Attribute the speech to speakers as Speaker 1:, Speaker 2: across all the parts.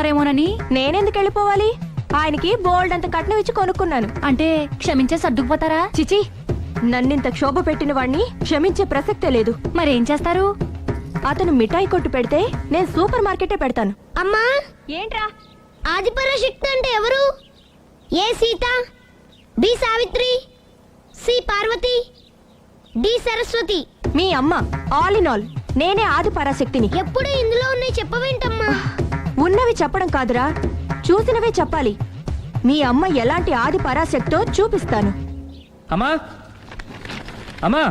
Speaker 1: వెళ్ళిపోతున్నారేమోనని.
Speaker 2: నేనెందుకు వెళ్ళిపోవాలి? ఆయనకి బోల్డ్ అంత కట్నం ఇచ్చి కొనుక్కున్నాను.
Speaker 1: అంటే క్షమించే సర్దుకుపోతారా?
Speaker 2: చిచి, నన్నింత క్షోభ పెట్టిన వాణ్ణి క్షమించే ప్రసక్తే లేదు.
Speaker 1: మరేం చేస్తారు?
Speaker 2: అతను మిఠాయి కొట్టు పెడితే నేను సూపర్ మార్కెటే పెడతాను.
Speaker 3: అమ్మా,
Speaker 2: ఏంట్రా?
Speaker 3: ఆదిపరాశక్తి అంటే ఎవరు? A Sita, B Savitri, C Parvati, D Saraswati.
Speaker 2: మీ అమ్మ. ఆల్ ఇన్ ఆల్ నేనే ఆది పరాశక్తిని.
Speaker 3: ఎప్పుడు ఇందులో ఉన్నాయి చెప్పవేంటమ్మా?
Speaker 2: ఉన్నవి చెప్పడం కాదురా, చూసినవే చెప్పాలి. మీ అమ్మ ఎలాంటి ఆది పరాశక్తో చూపిస్తాను.
Speaker 4: అమ్మా అమ్మా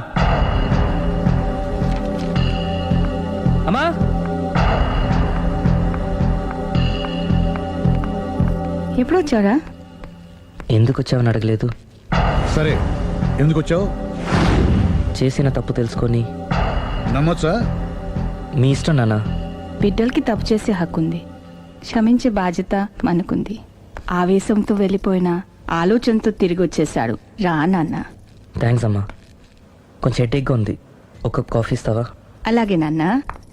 Speaker 4: అమ్మా,
Speaker 5: ఎప్పుడు వచ్చారా?
Speaker 4: ఎందుకు వచ్చావని అడగలేదు.
Speaker 6: సరే, ఎందుకు వచ్చావు?
Speaker 4: చేసిన తప్పు తెలుసుకొని.
Speaker 6: నమ్మొచ్చా?
Speaker 4: మీ ఇష్టం నాన్న.
Speaker 5: బిడ్డలకి తప్పు చేసే హక్కుంది, క్షమించే బాధ్యత మనకుంది. ఆవేశంతో వెళ్ళిపోయిన ఆలోచనతో తిరిగి వచ్చేశాడు. రా నాన్న.
Speaker 4: థ్యాంక్స్ అమ్మా. కొంచెం హెడేక్గా ఉంది, ఒక కాఫీ ఇస్తావా?
Speaker 5: అలాగే నాన్న.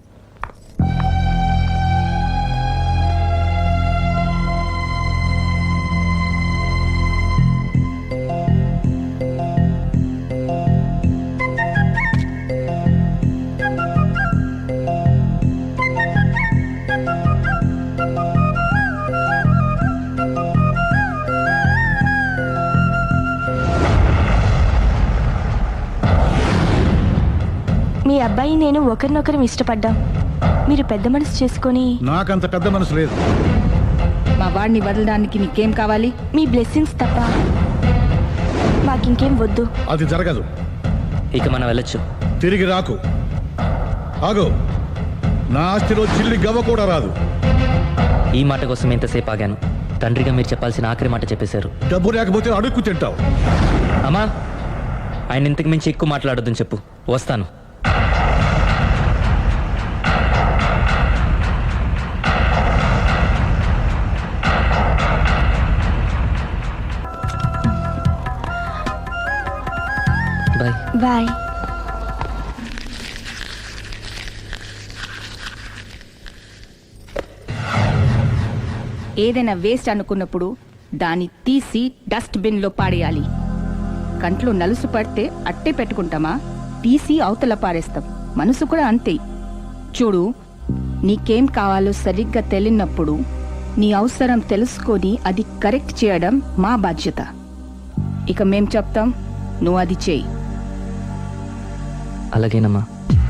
Speaker 2: మీ అబ్బాయి నేను ఒకరినొకరం ఇష్టపడ్డాం. మీరు పెద్ద మనసు చేసుకొని.
Speaker 6: నాకంత పెద్ద మనసు లేదు.
Speaker 5: మా వాడిని వదలడానికి నీకేం కావాలి?
Speaker 2: మీ బ్లెస్సింగ్స్ తప్ప మాకింకేం వద్దు.
Speaker 6: అది జరగదు.
Speaker 4: ఇక మనం వెళ్ళొచ్చు.
Speaker 6: తిరిగి రాకు. ఆగు. నా ఆస్తిలో చిల్లి గవ్వ కూడా రాదు.
Speaker 4: ఈ మాట కోసం ఎంతసేపు ఆగాను. తండ్రిగా మీరు చెప్పాల్సిన ఆఖరి మాట చెప్పేశారు.
Speaker 6: డబ్బు లేకపోతే అడుక్కు తింటావు.
Speaker 4: అమ్మా, ఆయన ఇంతకు మించి ఎక్కువ మాట్లాడొద్దని చెప్పు. వస్తాను. బాయ్.
Speaker 2: బాయ్.
Speaker 5: ఏదైనా వేస్ట్ అనుకున్నప్పుడు దాన్ని తీసి డస్ట్బిన్ లో పాడేయాలి. కంట్లో నలుసు పడితే అట్టే పెట్టుకుంటామా? తీసి అవతల పారేస్తాం. మనసు కూడా అంతే. చూడు, నీకేం కావాలో సరిగ్గా తెలియనప్పుడు నీ అవసరం తెలుసుకొని అది కరెక్ట్ చేయడం మా బాధ్యత. ఇక మేం చెప్తాం, నువ్వు అది చేయి.
Speaker 4: అలాగేనమ్మా.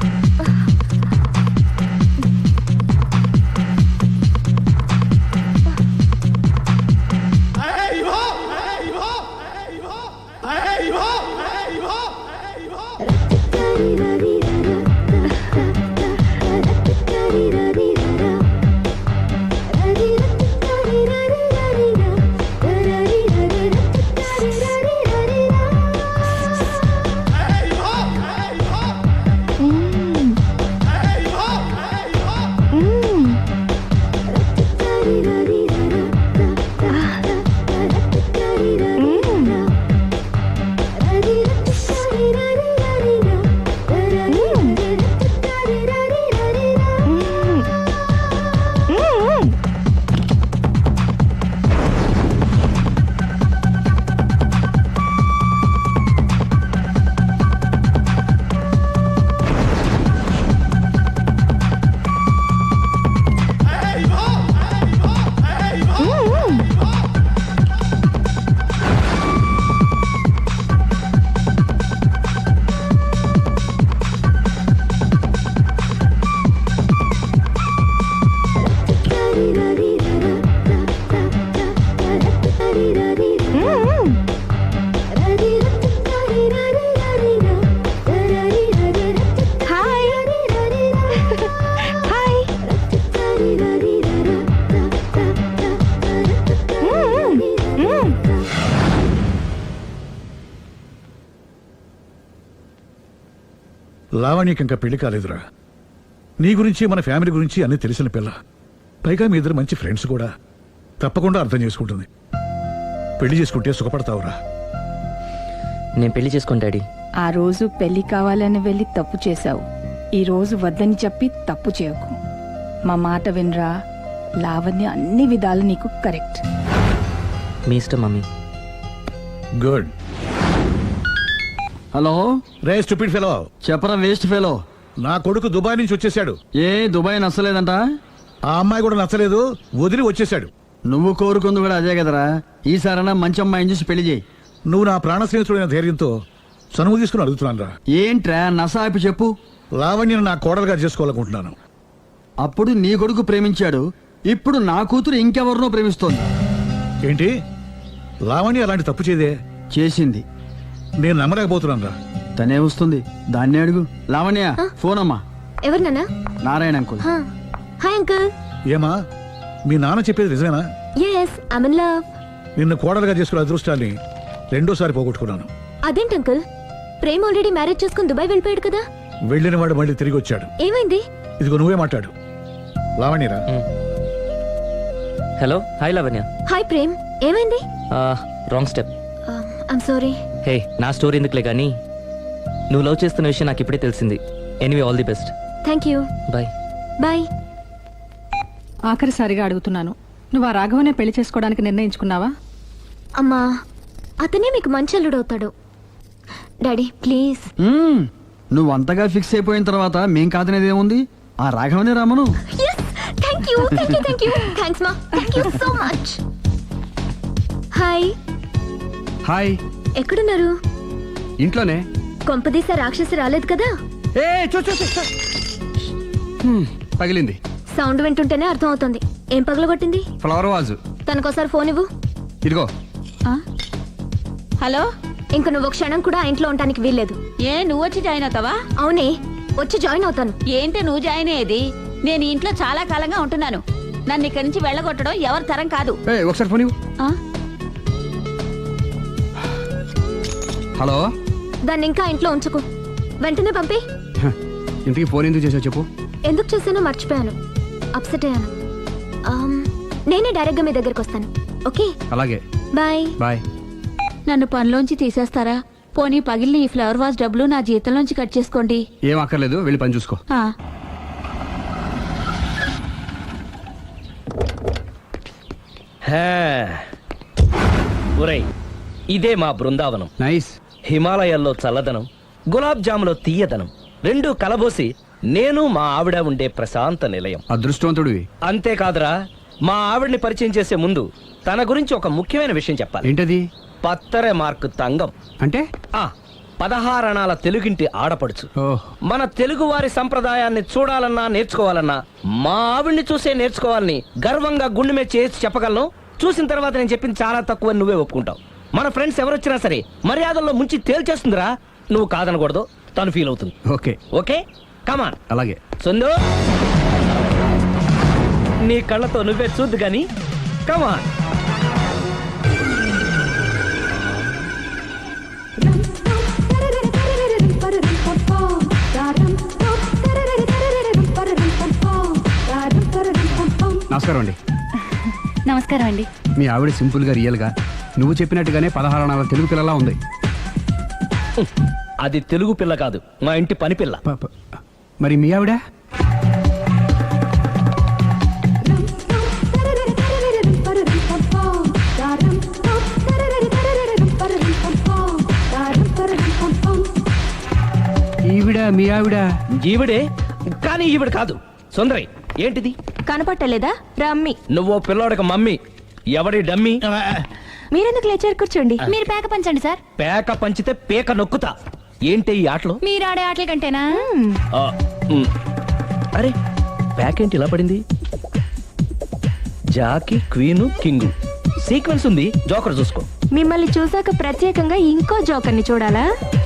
Speaker 6: లావణ్యకి ఇంకా పెళ్లి కాలేదురా. నీ గురించి మన ఫ్యామిలీ గురించి అన్నీ తెలిసిన పిల్ల. పైగా మీ ఇద్దరు మంచి ఫ్రెండ్స్ కూడా. తప్పకుండా అర్థం చేసుకుంటుంది. పెళ్లి చేసుకుంటే సుఖపడతావురా.
Speaker 4: నేను పెళ్లి చేసుకోను డాడీ.
Speaker 5: ఆ రోజు పెళ్లి కావాలని వెళ్ళి తప్పు చేశావు. ఈ రోజు వద్దని చెప్పి తప్పు చేయకు. మా మాట వినరా. లావణ్య అన్ని విధాలు నీకు కరెక్ట్.
Speaker 4: మీ ఇష్టం మమ్మీ.
Speaker 6: గుడ్.
Speaker 7: హలో
Speaker 6: రే స్టూపిడ్ ఫెలో,
Speaker 7: చెప్పరా వేస్ట్ ఫెలో.
Speaker 6: నా కొడుకు దుబాయ్ నుంచి వచ్చేసాడు.
Speaker 7: ఏ దుబాయ్ నచ్చలేదంట?
Speaker 6: ఆ అమ్మాయి కూడా నచ్చలేదు, వదిలి వచ్చేసాడు.
Speaker 7: నువ్వు కోరుకుంది కూడా అదే కదరా. ఈసారైనా మంచి అమ్మాయిని చూసి పెళ్లి చేయి.
Speaker 6: నువ్వు నా ప్రాణ స్నేహితుడైన ధైర్యంతో చనువు తీసుకుని అడుగుతున్నాను రా.
Speaker 7: ఏంట్రా నసాపి చెప్పు.
Speaker 6: లావణ్యను నా కోడలుగా చేసుకోవాలనుకుంటున్నాను.
Speaker 7: అప్పుడు నీ కొడుకు ప్రేమించాడు, ఇప్పుడు నా కూతురు ఇంకెవరినో ప్రేమిస్తోంది.
Speaker 6: ఏంటి? లావణ్య అలాంటి తప్పు చేయదే.
Speaker 7: చేసింది.
Speaker 6: నేను నమ్మలేకపోతున్నాను రా.
Speaker 7: తనే వస్తుంది, దాన్నే అడుగు. లావణ్య ఫోన్ అమ్మా.
Speaker 2: ఎవరు నాన్న?
Speaker 7: నారాయణ అంకుల్.
Speaker 2: Hi uncle.
Speaker 6: ఏమా, మీ నాన్న చెప్పేది నిజమేనా?
Speaker 2: Yes, I'm in love.
Speaker 6: నిన్ను కోడలుగా చేసుకునే అదృష్టాన్ని రెండోసారి పోగొట్టుకున్నాను.
Speaker 2: అదేంటి అంకుల్, ప్రేమ్ ఆల్రెడీ మ్యారేజ్ చేసుకుని దుబాయ్ వెళ్ళిపోయాడు కదా?
Speaker 6: వెళ్ళిన వాడు మళ్ళీ తిరిగి వచ్చాడు.
Speaker 2: ఏమైంది?
Speaker 6: ఇదిగో నువ్వే మాట్లాడు. లావణ్యరా.
Speaker 4: Hello, hi Lavanya.
Speaker 2: Hi Prem, ఏమైంది?
Speaker 4: Wrong step.
Speaker 2: I'm sorry.
Speaker 4: Hey, నా స్టోరీ ఎందుకులే కానీ నువ్వు లవ్ చేస్తున్న విషయం నాకు ఇప్పుడే తెలిసింది. Anyway, all the best.
Speaker 2: Thank you.
Speaker 4: Bye.
Speaker 2: Bye.
Speaker 5: ఆఖరిసారిగా అడుగుతున్నాను, నువ్వు ఆ రాఘవనే పెళ్లి చేసుకోవడానికి నిర్ణయించుకున్నావా?
Speaker 2: అమ్మా, అతనే మీకు మంచి అల్లుడు అవుతాడు. Daddy please.
Speaker 7: నువ్వు అంతగా ఫిక్స్ అయిపోయిన తర్వాత మేం కాదనేది ఏముంది? ఆ రాఘవనే రామను.
Speaker 2: Thank you, thank you, thank you. Thanks మా, thank you so much. Hi.
Speaker 7: Hi.
Speaker 2: ఎక్కడున్నారు?
Speaker 7: ఇంట్లోనే.
Speaker 2: కొంపదీసా రాక్షసి రాలేదు కదా?
Speaker 7: ఏ పగిలింది.
Speaker 2: సౌండ్ వింటుంటేనే అర్థం అవుతుంది. ఏం పగలగొట్టింది?
Speaker 7: Flower vase.
Speaker 2: తనకోసారి ఫోన్ ఇవ్వు.
Speaker 7: ఇదిగో.
Speaker 5: హలో.
Speaker 2: ఇంక నువ్వు ఒక క్షణం కూడా ఆ ఇంట్లో ఉండడానికి వీల్లేదు.
Speaker 8: ఏ నువ్వు వచ్చి జాయిన్ అవుతావా?
Speaker 2: అవునే, వచ్చి జాయిన్ అవుతాను.
Speaker 8: ఏంటి నువ్వు జాయిన్ అయ్యేది? నేను ఈ ఇంట్లో చాలా కాలంగా ఉంటున్నాను. నన్ను ఇక్కడి నుంచి వెళ్ళగొట్టడం ఎవరి తరం కాదు.
Speaker 7: ఒకసారి ఫోన్ ఇవ్వు.
Speaker 8: ఆ?
Speaker 7: హలో.
Speaker 2: దాన్ని ఇంకా ఇంట్లో ఉంచుకో, వెంటనే పంపి.
Speaker 7: ఇంటికి ఫోన్ ఎందుకు చేసావు చెప్పు.
Speaker 2: ఎందుకు చేశానో మర్చిపోయాను, అప్సెట్ అయ్యాను. నేనే డైరెక్ట్ గా మీ దగ్గరకు వస్తాను. ఓకే,
Speaker 7: అలాగే.
Speaker 2: బాయ్.
Speaker 7: బాయ్.
Speaker 8: నన్ను పనిలోంచి తీసేస్తారా? పోనీ పగిలిన ఈ ఫ్లవర్ వాజ్ డబ్బులు నా జీతంలోంచి కట్ చేసుకోండి.
Speaker 7: ఏం అక్కర్లేదు, వెళ్ళి పని చూసుకో.
Speaker 8: ఆ.
Speaker 9: ఒరేయ్, ఇదే మా బృందావనం.
Speaker 7: నైస్.
Speaker 9: హిమాలయాల్లో చల్లదనం, గులాబ్ జాములో తీయదనం రెండూ కలబోసి నేను మా ఆవిడ ఉండే ప్రశాంత నిలయం.
Speaker 7: అదృష్టవంతుడివి.
Speaker 9: అంతేకాదురా, మా ఆవిడ్ని పరిచయం చేసే ముందు తన గురించి ఒక ముఖ్యమైన విషయం చెప్పాలి.
Speaker 7: ఏంటది?
Speaker 9: పత్తరె మార్కు తంగం
Speaker 7: అంటే
Speaker 9: 16 అణాల తెలుగింటి ఆడపడుచు. మన తెలుగు వారి సంప్రదాయాన్ని చూడాలన్నా నేర్చుకోవాలన్నా మా ఆవిడ్ని చూసే నేర్చుకోవాలని గర్వంగా గుండె మీద చేసి చెప్పగలను. చూసిన తర్వాత నేను చెప్పింది చాలా తక్కువ, నువ్వే ఒప్పుకుంటావు. మన ఫ్రెండ్స్ ఎవరొచ్చినా సరే మర్యాదల్లో ముంచి తేల్చేస్తుందిరా. నువ్వు కాదనకూడదు, తను ఫీల్ అవుతుంది.
Speaker 7: Okay
Speaker 9: okay, come on.
Speaker 7: అలాగే.
Speaker 9: సుందు, నీ కళ్ళతో నువ్వే చూద్దు గాని కమాన్.
Speaker 7: నమస్కారం అండి.
Speaker 1: నమస్కారం అండి.
Speaker 7: మీ ఆవిడ సింపుల్ గా రియల్ గా నువ్వు చెప్పినట్టుగానే 16 అణాల తెలుగు పిల్లలా ఉంది.
Speaker 9: అది తెలుగు పిల్ల కాదు, మా ఇంటి పని పిల్ల.
Speaker 7: మరి మీ ఆవిడ? ఈవిడ మీ ఆవిడ?
Speaker 9: ఈవిడే, కానీ ఈవిడ కాదు. సుందరి, ఏంటిది?
Speaker 2: కనపట్టలేదా? రమ్మి.
Speaker 9: నువ్వు పిల్లోడికి మమ్మీ, ఎవడి డమ్మీ?
Speaker 2: మీరెందుకు లేచారు? కూర్చోండి.
Speaker 1: మీరు పేక పంచండి సార్.
Speaker 9: పేక పంచితే పేక నొక్కుతా. ఏంటి ఈ ఆటలు?
Speaker 1: మీరు ఆడే ఆటల కంటేనా?
Speaker 9: అరే, పేక ఏంటి ఇలా పడింది? జాకి, క్వీను, కింగు సీక్వెన్స్ ఉంది. జోకర్ చూసుకో.
Speaker 2: మిమ్మల్ని చూసాక ప్రత్యేకంగా ఇంకో జోకర్ని చూడాలా?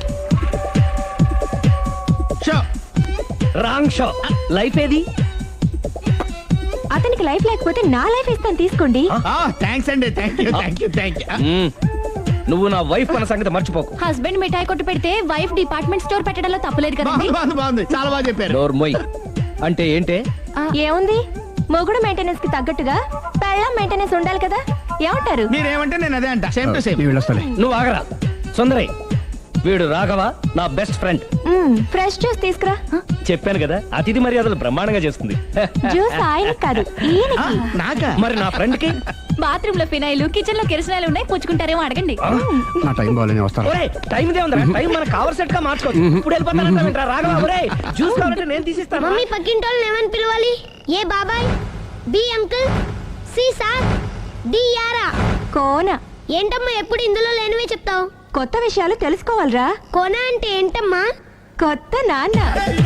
Speaker 9: Wrong show. లైఫ్ ఏది?
Speaker 2: అతనికి లైఫ్ లేకపోతే నా లైఫ్ ఇస్తాను, తీసుకోండి.
Speaker 6: థ్యాంక్స్ అండి. Thank you.
Speaker 9: నువ్వు నా వైఫ్ అన్న సంగతి మర్చిపోకు.
Speaker 1: హస్బెండ్ మిఠాయి కొట్టు పెడితే వైఫ్ డిపార్ట్మెంట్ స్టోర్ పెట్టడంలో తప్పలేదు కదండి.
Speaker 6: బాగుంది, చాలా బాగా చెప్పారు.
Speaker 9: డోర్ మొయ్. అంటే ఏంటే?
Speaker 2: ఏముంది, మొగుడు మెయింటెనెన్స్ కి తగ్గట్టుగా పెళ్ళాం మెయింటెనెన్స్ ఉండాలి కదా. ఏమంటారు?
Speaker 6: మీరేమంటే నేను అదే అంట. Same to same.
Speaker 7: వెళ్ళొస్తాలే.
Speaker 9: నువ్వు ఆగరా. సుందరి, వీడు రాఘవ నా బెస్ట్ ఫ్రెండ్.
Speaker 2: ఫ్రెష్ జ్యూస్ తీసుకురా.
Speaker 9: చెప్పాను కదా అతిథి మర్యాదలు బ్రహ్మాండంగా చేస్తుంది.
Speaker 2: జ్యూస్ ఆయన కాదు ఈయనకి.
Speaker 9: నాకా? మరి నా ఫ్రెండ్ కి
Speaker 1: బాత్రూమ్ లో ఫినాయిల్ కిచెన్ లో కిరసనాయిలు ఉన్నాయి, పుచ్చుకుంటారేమో అడగండి.
Speaker 7: నా టైం బాగాలేని వస్తాను.
Speaker 9: ఒరేయ్ టైం ఇదే ఉందిరా, టైం మనకు కవర్ సెట్ గా మార్చుకోవచ్చు. ఇప్పుడు వెళ్ళిపోతానంటావేంట్రా రాఘవ? ఒరేయ్ జ్యూస్ కావాలంటే నేను తీసిస్తాను.
Speaker 3: మమ్మీ పక్కింటి వాళ్ళని ఏమని పిలవాలి? ఏ బాబాయ్, B uncle, C sir, D యారా.
Speaker 2: కోన.
Speaker 3: ఏంటమ్మా ఎప్పుడు ఇందులో లేనివే చెప్తావు?
Speaker 2: కొత్త విషయాలు తెలుసుకోవాలిరా.
Speaker 3: కోన అంటే ఏంటమ్మా?
Speaker 2: కొత్త నాన్న.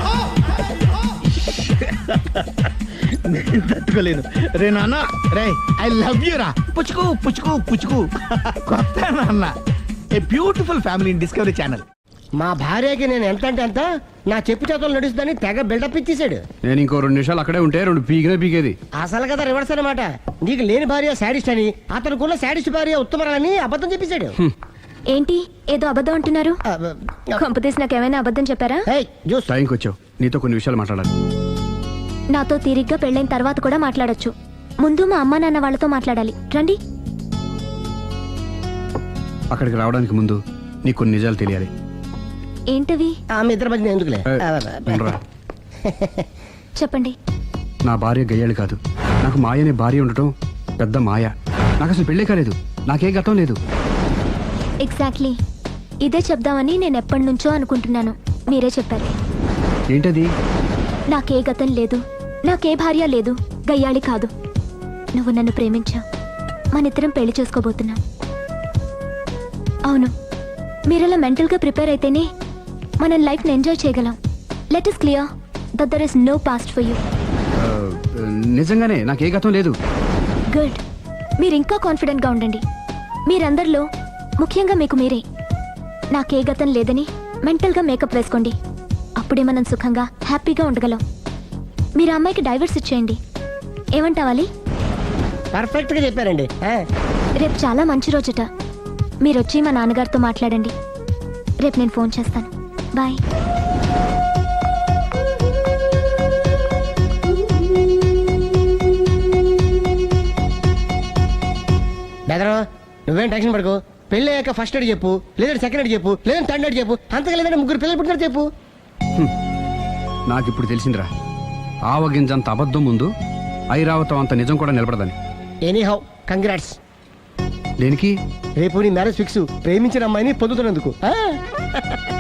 Speaker 10: తట్టుకోలేను రే నాన్న. రే ఐ లవ్ యూ రా. పుచ్చుకు పుచ్చుకు పుచ్చుకు. కొత్త నాన్న. A beautiful family in Discovery channel.
Speaker 9: మా భార్యకి నేను ఎంత అంటే అంత నా చెప్పు చేతులు నడుస్తుందని తెగ బిల్డప్ ఇచ్చేసాడు.
Speaker 7: నేను ఇంకో 2 నిమిషాలు అక్కడే ఉంటే 2 పీకేది.
Speaker 9: అసలు కదా రివర్స్ అనమాట. నీకు లేని భార్య శాడిస్ట్ అని, అతనుకున్న శాడిస్ట్ భార్య ఉత్తమరాలని అబద్ధం చెప్పేశాడు.
Speaker 1: ఏంటి ఏదో అబద్ధం అంటున్నారు? కొంపతీసి నాకేమైనా అబద్ధం చెప్పారా?
Speaker 7: టైంకి వచ్చావు, నీతో కొన్ని విషయాలు మాట్లాడాలి.
Speaker 1: నాతో తీరిగ్గా పెళ్ళైన తర్వాత కూడా మాట్లాడొచ్చు. ముందు మా అమ్మా నాన్న వాళ్ళతో మాట్లాడాలి. రండి.
Speaker 7: అక్కడికి రావడానికి ముందు నీకు కొన్ని నిజాలు తెలియాలి.
Speaker 1: ఏంటవి?
Speaker 9: ఆమె ఇద్దరి మధ్య ఎందుకులే.
Speaker 7: ఉండరా.
Speaker 1: చెప్పండి.
Speaker 7: నా భార్య గయ్యాళి కాదు. నాకు మాయ అనే భార్య ఉండటం పెద్ద మాయ. నాకు అసలు పెళ్ళే కాలేదు, నాకే గతం లేదు.
Speaker 1: ఎగ్జాక్ట్లీ ఇదే చెప్దామని నేను ఎప్పటి నుంచో అనుకుంటున్నాను. మీరే చెప్పారు.
Speaker 7: ఏంటది?
Speaker 1: నాకే గతం లేదు, నాకే భార్య లేదు, గయ్యాళి కాదు. నువ్వు నన్ను ప్రేమించావు, మనిద్దరం పెళ్లి చేసుకోబోతున్నాం. అవును, మీరలా మెంటల్గా ప్రిపేర్ అయితేనే మనం లైఫ్ని ఎంజాయ్ చేయగలం. Let us clear that there is no past for you.
Speaker 7: నిజంగానే నాకే గతం లేదు.
Speaker 1: గుడ్. మీరు ఇంకా కాన్ఫిడెంట్గా ఉండండి. మీరందరిలో ముఖ్యంగా మీకు మీరే. నాకే గతం లేదని మెంటల్గా మేకప్ వేసుకోండి. అప్పుడే మనం సుఖంగా హ్యాపీగా ఉండగలం. మీరు ఆ అమ్మాయికి డైవర్స్ ఇచ్చేయండి. ఏమంటావాలి?
Speaker 9: పర్ఫెక్ట్ గా చెప్పారండి.
Speaker 1: రేపు చాలా మంచి రోజుట. మీరు వచ్చి మా నాన్నగారితో మాట్లాడండి. రేపు నేను ఫోన్ చేస్తాను. బాయ్.
Speaker 9: బెదరు నువ్వేం టెన్షన్ పడుకో. పెళ్ళి అయ్యాక ఫస్ట్ ఎయిడ్ చెప్పు, లేదంటే సెకండ్ ఎయిడ్ చెప్పు, లేదంటే థర్డ్ ఎయిడ్ చెప్పు. అంతగా లేదంటే 3 పిల్లలు పుట్టినారు చెప్పు.
Speaker 7: నాకు ఇప్పుడు తెలిసిందిరా, ఆవగింజంత అబద్ధం ముందు ఐరావతం అంత నిజం కూడా నిలబడదని.
Speaker 9: Any how congrats.
Speaker 7: దేనికి?
Speaker 9: రేపు నీ మ్యారేజ్ ఫిక్స్, ప్రేమించిన అమ్మాయిని పొందుతున్నందుకు.